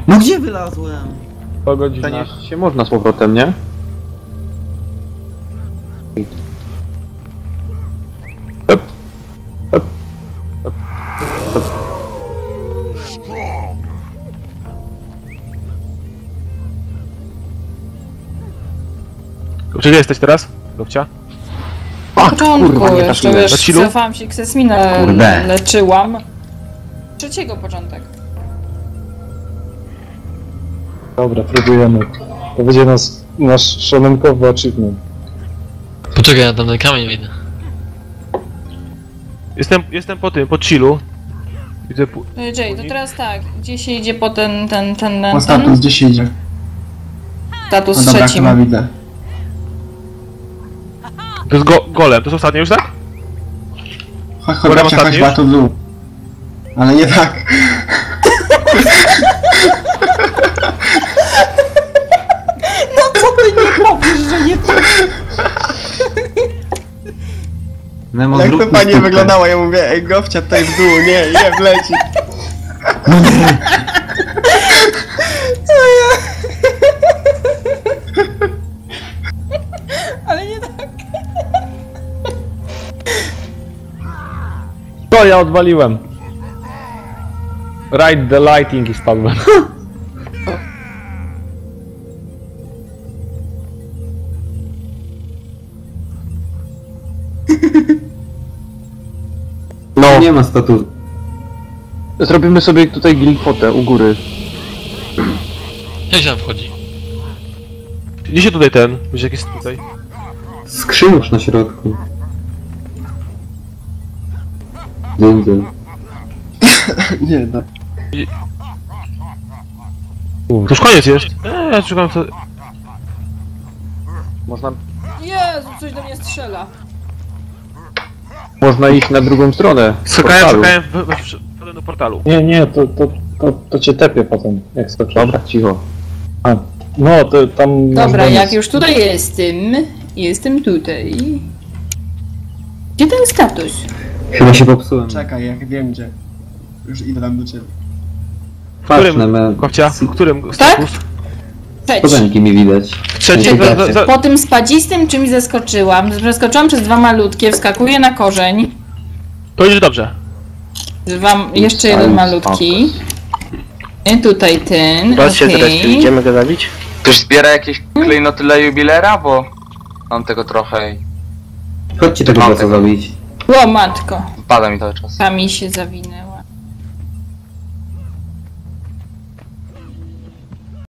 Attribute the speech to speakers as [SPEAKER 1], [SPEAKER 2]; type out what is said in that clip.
[SPEAKER 1] No gdzie wylazłem?
[SPEAKER 2] Po godzinach.
[SPEAKER 3] Przenieść się można z powrotem, nie? Hop. Hop. Hop. Hop.
[SPEAKER 2] Gdzie jesteś teraz? Lubcia?
[SPEAKER 3] A,
[SPEAKER 4] początku,
[SPEAKER 3] kurwa, nie
[SPEAKER 4] jeszcze
[SPEAKER 3] trafiłem.
[SPEAKER 4] wiesz,
[SPEAKER 2] Na chillu?
[SPEAKER 4] cofałam się, Ksesminę
[SPEAKER 1] Kurde.
[SPEAKER 4] leczyłam. Trzeciego początek.
[SPEAKER 5] Dobra, próbujemy. To będzie nasz szanunkowy achievement.
[SPEAKER 6] Poczekaj, ja tam ten kamień wyjdę.
[SPEAKER 2] Jestem po chillu. Widzę
[SPEAKER 4] Jay, to teraz tak, gdzie się idzie po ten
[SPEAKER 7] Po status, gdzie się idzie?
[SPEAKER 4] status
[SPEAKER 7] No dobra,
[SPEAKER 4] trzecim?
[SPEAKER 7] chyba widzę.
[SPEAKER 2] To jest golem, to jest ostatnie już, tak?
[SPEAKER 7] Chodź,
[SPEAKER 2] Golem
[SPEAKER 7] chodź,
[SPEAKER 2] ostatni
[SPEAKER 7] chodź,
[SPEAKER 2] już?
[SPEAKER 7] tu w dół. Ale nie tak.
[SPEAKER 4] Co ty nie powiesz, że nie to?
[SPEAKER 1] Nemo,
[SPEAKER 7] Jak to
[SPEAKER 1] zrób
[SPEAKER 7] pani
[SPEAKER 1] mi
[SPEAKER 7] wyglądała, ja mówię, ej Gofcia tutaj w dół, nie, wleci.
[SPEAKER 4] Ale nie tak.
[SPEAKER 5] To ja odwaliłem. Ride the lighting i spadłem.
[SPEAKER 3] No,
[SPEAKER 1] Nie ma statusu.
[SPEAKER 3] zrobimy sobie tutaj glifotę u góry.
[SPEAKER 6] Jak się tam wchodzi?
[SPEAKER 2] Gdzie się tutaj będzie jakiś tutaj?
[SPEAKER 1] Skrzyniusz na środku. Dzyndzel.
[SPEAKER 7] Nie, no.
[SPEAKER 2] To już koniec jest. Ja szukam co...
[SPEAKER 4] Jezu, coś do mnie strzela.
[SPEAKER 3] Można iść na drugą stronę. portalu.
[SPEAKER 2] Wszedłem do portalu.
[SPEAKER 5] Nie, to cię tepie potem, jak skoczysz.
[SPEAKER 3] Dobra, cicho.
[SPEAKER 5] No, to tam...
[SPEAKER 4] Dobra, jak już tutaj jestem tutaj. Gdzie ten status?
[SPEAKER 1] Chyba się popsułem.
[SPEAKER 7] Czekaj, jak wiem gdzie. Już idę tam do ciebie.
[SPEAKER 1] Patrz na me...
[SPEAKER 2] Kopcia? W którym
[SPEAKER 4] Tak?
[SPEAKER 2] status?
[SPEAKER 4] Trzeci.
[SPEAKER 1] Kozenki mi widać.
[SPEAKER 2] Trzeci?
[SPEAKER 4] Po tym spadzistym czymś zeskoczyłam. Przeskoczyłam przez dwa malutkie, wskakuję na korzeń.
[SPEAKER 2] To idzie dobrze.
[SPEAKER 4] Jeszcze jeden malutki. I tutaj ten. Okej.
[SPEAKER 2] Idziemy go zabić?
[SPEAKER 8] Ktoś zbiera jakieś klejnoty dla jubilera, bo mam tego trochę i
[SPEAKER 1] Chodźcie tego bossa zabić.
[SPEAKER 4] O matko,
[SPEAKER 8] pada mi cały czas.
[SPEAKER 4] ta mi się zawinęła.